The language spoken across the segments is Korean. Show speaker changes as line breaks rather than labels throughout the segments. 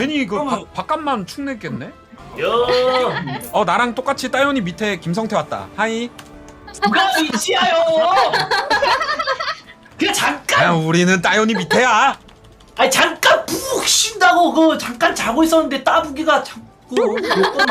괜히 그
그러면-
바깥만 축냈겠네.
야,
나랑 똑같이 따연이 밑에 김성태 왔다. 하이.
누가 위치하여? 그냥 잠깐.
야, 우리는 따연이 밑에야.
아니 잠깐 푹 쉰다고 그 잠깐 자고 있었는데 따부기가 자꾸 몇번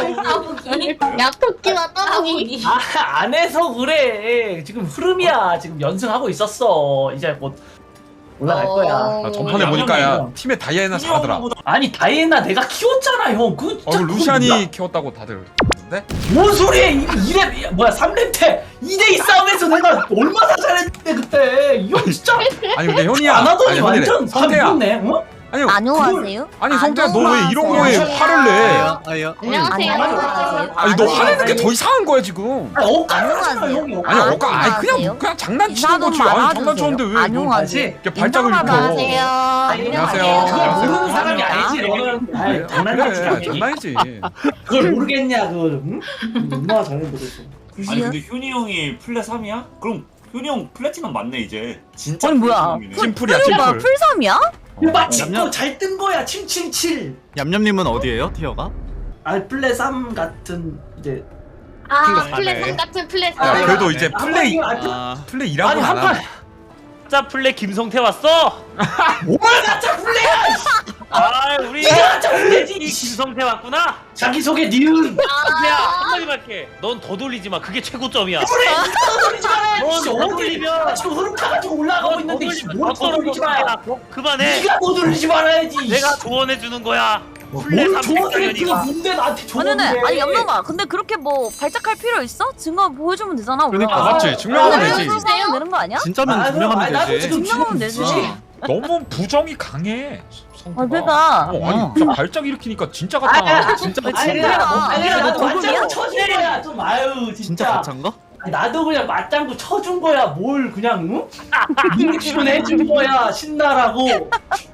맞고
약토끼와 따보기.
안 해서 그래. 지금 흐름이야. 지금 연승하고 있었어. 이제 곧 올라갈 거야.
나 전판에 보니까 야 팀에 다이애나 잘하더라.
아니 다이애나 내가 키웠잖아 형. 그
그 루시안이 키웠다고 다들 그러는데?
뭔 소리야? 이래 뭐야 3렙 때 2대2 싸움에서 내가 얼마나 잘했는데 그때. 이 형 진짜
아니 근데 현이야.
안 하더니
아니, 현이래.
완전
성태야.
감겼네. 어?
아니
안녕하세요.
아니 성태야 너 왜 이런 거에 화를 내?
아니요.
안녕하세요.
아니 너 화내는 게 더 이상한 거야 지금.
아니 억까잖아
안녕하세요.
형이.
아니
아,
어까 아니
안녕하세요.
그냥 장난치는
인사
거지.
좀
아니
말아주세요.
장난쳤는데 왜 너
안녕하세요.
이렇게 발작을
안녕하세요.
안녕하세요.
그걸 모르는 사람이
안녕하세요.
아니지. 너는 아이, 장난이지.
그래
당연히.
장난이지.
그걸 모르겠냐 그 응? 얼마나 잘했는데 그랬어.
아니 근데 효니 형이 플랫 3이야? 그럼 효니 형 플래티넘 맞네 이제. 진짜
아니, 뭐야.
플래티넘이네.
찜풀이야
뭐야
찜풀.
풀섬이야?
막 찍고
냠냠.
잘 뜬 거야. 777.
얌얌님은 어디에요? 티어가?
알플레 3 같은 이제
아
플랫폼
같은 플랫.
야 그래도 이제
아,
플레이
아,
플레이
아니
일하고 안
한판
하네.
가짜 플레 김성태 왔어?
뭘 가짜 플레야.
아 우리
이게 가짜
이
플레지.
김성태 왔구나?
자기 소개 니은.
성태야 한마디 할게. 넌 더 돌리지 마. 그게 최고점이야.
그래. 돌리지 마라.
넌
씨,
더
어디
돌리면
지금 흐름 타가지고 올라가고 있는데 씨,
더
뭘
떨어져.
돌리지 마.
그만해.
네가 뭐 돌리지 말아야지.
내가 조언해 주는 거야. 플레
뭘 조언해?
300장년이가.
그거 뭔데 나한테 조언해?
아니 얌남아 근데 그렇게 뭐 발작할 필요 있어? 증거 보여주면 되잖아.
그러니까.
우리가.
맞지 증명하면
아,
되지.
증명하면 되는 거 아니야?
진짜면 증명하면
나도
되지.
지금
증명하면 되지.
너무 부정이 강해. 성태가.
아 그러니까.
아니 진짜 발작 일으키니까 진짜 같아.
진짜
아니
진짜야.
아니
너
나도
도둑이야?
맞장구 쳐준 거야. 좀 아유
진짜
진짜.
가짜인가?
아니, 나도 그냥 맞장구 쳐준 거야. 뭘 그냥 응? 인식은 해준 거야. 신나라고.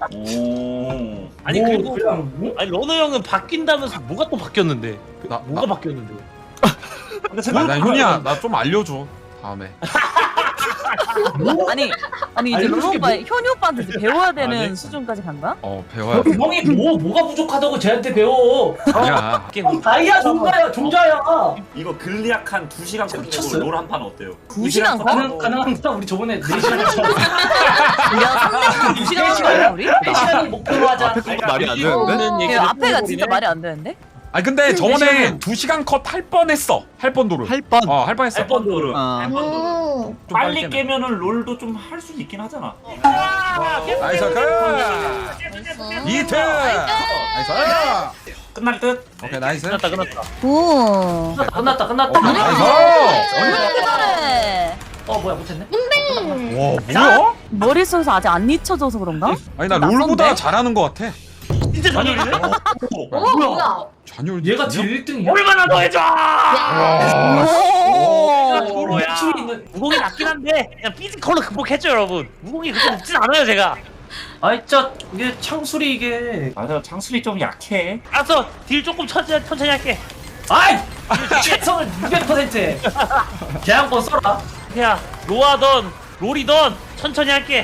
오.
아니
뭐
그리고
그냥 응?
아니 러너 형은 바뀐다면서 뭐가 또 바뀌었는데?
나
뭐가 바뀌었는데?
난 현이야 나 좀 알려줘 다음에.
아니 이제
아니,
롤
솔직히
오빠 현이 오빠한테 이제 배워야 되는
아니.
수준까지 간 거야?
배워야 돼.
형이 뭐가 부족하다고 쟤한테 배워.
아니야.
형 다이아 종자야 종자야.
이거 글리악 한 2시간 컷
미쳤어요?
주고 롤 한 판 어때요?
2시간 컷?
가능합니다. 우리 저번에 4시간 했잖아.
야 3년 2시간 하는 거야 우리?
4시간이 목표로 하자.
앞에 거가 말이 안
이
되는데?
없는
야,
얘기를
앞에가
뿌려버리네.
진짜 말이 안 되는데?
아니 근데 저번에 2시간 컷 할 뻔했어. 할 뻔도를.
할 뻔.
할 뻔했어.
번 도를.
아,
좀
빨리
깨면.
깨면은 롤도 좀 할 수 있긴 하잖아.
나이스 그. 이트. 나이스.
끝날 듯?
오케이 나이스.
끝났다 끝났다.
오.
끝났다.
오케이 나이스.
이렇게 잘해.
뭐야 못했네.
와 뭐야?
머릿속에서 아직 안 잊혀져서 그런가?
아니 나
낯선데?
롤보다 잘하는 거 같아.
진짜 잔열이네?
뭐야?
잔열.
얘가 제일 1등이야.
얼마나 더 해줘!
오.
도로야. 무공이 낮긴 한데 그냥 피지컬로 극복했죠 여러분. 무공이 그렇게 높진 않아요 제가.
아이 진짜 이게 창술이 이게.
맞아 창술이 좀 약해.
알았어 딜 조금 천천히 할게.
아이 최선을 200%해. 계약권 써라.
야 로아던 롤이던 천천히 할게.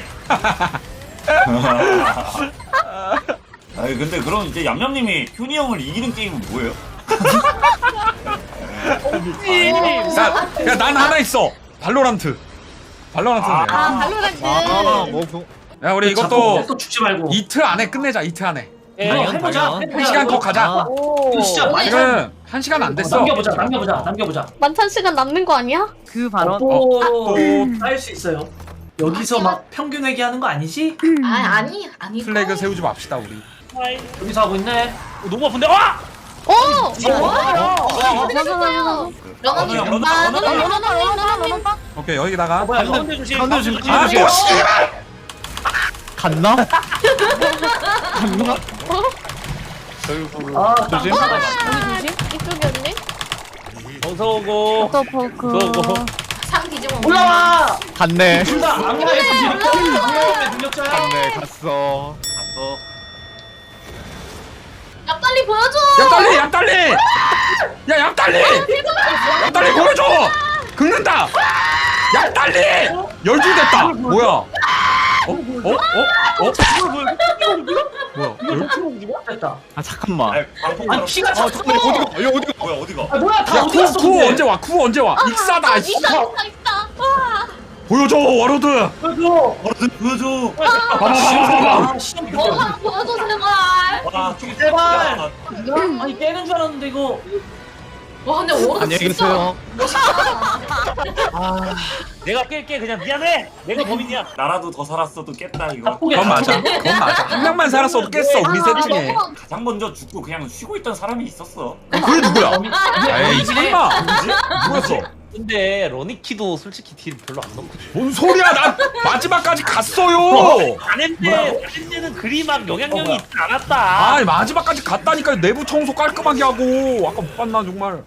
아니 근데 그럼 이제 얌얌님이 효니 형을 이기는 게임은 뭐예요?
야난 하나 있어. 발로란트. 발로란트는 돼.
발로란트.
뭐
야 우리
자꾸
이것도
또 죽지 말고.
이틀 안에 끝내자. 이틀 안에.
예,
이거
당연,
해보자.
당연.
해보자.
한 시간 더 가자.
아,
오.
진짜 많이
지금 1시간 안 됐어.
남겨보자.
만찬 시간 남는 거 아니야?
그 발언.
또할수 있어요. 여기서 막 평균 회계하는 거 아니지?
아니
플래그 세우지 맙시다 우리.
여기서 하고 있네.
너무 아픈데 와!
오!
맞아.
러너님
러너,
아,
러너,
러너님,
러너,
러너님,
러너,
러너님.
오케이 여기다가.
뭐야 이거?
가운데 조심.
가운데 조심,
아
조심.
또 씨발.
갔나? 조심.
조심.
이쪽이었네?
어서 오고.
포크.
상 뒤집어.
올라와.
갔네.
둘다 악마의 능력자야.
갔네. 갔어.
야 빨리 보여줘.
얌달리 얌달리. 야 얌달리. 얌달리 보여줘. 긁는다. 얌달리. 12 됐다. 뭐야? 뭐야?
됐다.
아 잠깐만.
아니 방폭
아니 피가 자꾸
어디가? 야 어디가?
뭐야 어디가?
아 뭐야 다
야
어디 갔어?
쿠 언제 와? 쿠 언제 와? 익사다. 씨.
있다.
보여줘 와로드.
보여줘.
보여줘.
봐봐.
아 시험
뭐 하나 보여줘 제발.
와 저기
제발. 아니 깨는 줄 알았는데 이거.
와 근데 오른
안녕히
진짜
계세요.
멋있다.
내가 깰게 그냥 미안해. 내가 범인이야.
나라도 더 살았어도 깼다 이거.
바쁘게
그건 맞아. 그건 맞아. 한 명만 살았어도 깼어 우리 셋 중에.
가장 먼저 죽고 그냥 쉬고 있던 사람이 있었어.
그게 누구야? 에이
이게
설마. 누구였어?
근데 러니키도 솔직히 딜 별로 안 넣고.
뭔 소리야? 난 마지막까지 갔어요.
다른데는 그리 막 영향력이 있진 않았다.
아 마지막까지 갔다니까 내부 청소 깔끔하게 하고 아까 못 봤나 정말.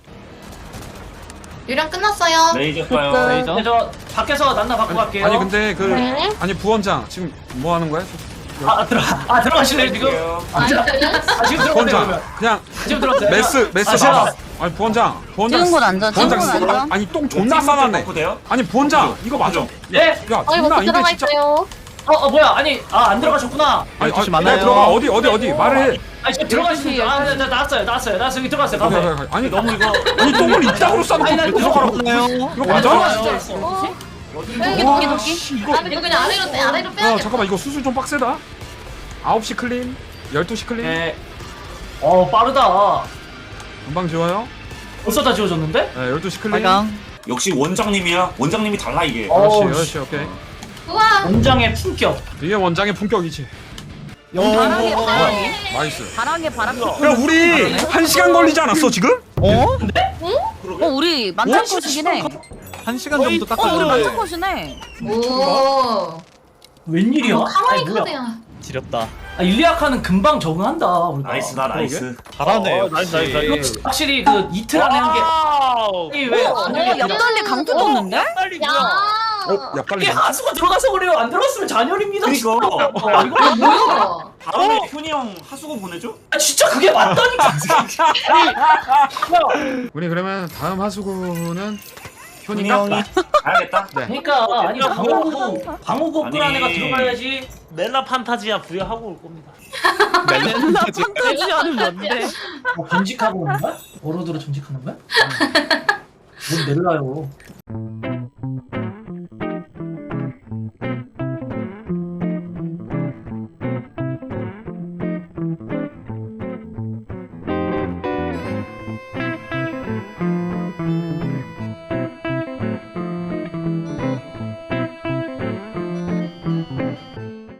유령 끝났어요.
레이저 봐요.
레이저.
근데 저 밖에서 난나 받고 갈게요.
아니 근데 그
네.
아니 부원장 지금 뭐 하는 거야?
들어가실래요 지금? 지금 들어가세요
부원장
그러면.
그냥
지금 들어가세요.
메스
제가
봐봐. 아니 부원장
찍은 건 앉아, 찍은 건
부원장
앉아.
아니 똥 존나 싸놨네.
바꿔 돼요?
아니 부원장 이거 맞아.
예?
야
이거
존나
못
이게
들어가
진짜.
있어요.
뭐야 아니 안 들어가셨구나.
아니
혹시
내가
많아요?
들어가 어디 말을 해.
아니 지금 들어가시죠. 나왔어요 여기 들어갔어요.
오케이,
가세요.
오케이, 오케이. 아니 너무 이거 아니 똥을 이따구로 싸놓고
아니, 나
계속하라고.
없나요?
이거 맞아?
어?
도끼
와,
도끼.
씨, 이거
나는 이거 그냥 아래로
야
빼야겠다.
잠깐만 이거 수술 좀 빡세다. 9시 클린 12시 클린
예. 빠르다.
금방 지워요.
벌써 다 지워졌는데?
네 12시 클린.
빨강.
역시 원장님이야. 원장님이 달라 이게.
어우,
그렇지 오케이.
우와.
원장의 품격.
이게 원장의 품격이지.
바람에 바람에
나이스.
바람에 바람에.
야 우리 1시간 걸리지 않았어 지금?
어?
우리 만찬 컷이긴 해.
1시간 정도
우리
깎아줘.
만찬 컷이네.
오.
웬일이야?
카와이
아니, 뭐야.
카드야.
지렸다.
일리아카는 금방 적응한다. 우리가.
나이스다 나이스.
잘하네.
나이스.
확실히 그 이틀 안에 한 게. 아니, 왜?
옆달리 강투 떴는데?
빨리
야.
야 빨리.
이게 하수가 들어가서 그래요. 안 들어갔으면 잔혈입니다.
그니까.
진짜. 이거
뭐야?
다음에 효니 형 하수구 보내줘?
진짜 그게 맞다니까.
우리 그러면 다음 하수구는
훈이
효니가.
형이.
알겠다.
네.
그러니까 아니 방어구
아니.
안에가 들어가야지.
멜라 판타지아 부여하고 올 겁니다.
멜라 판타지아는 뭔데?
전직하고 오는 거야? 워로드로 전직하는 거야? 뭔 넬라요.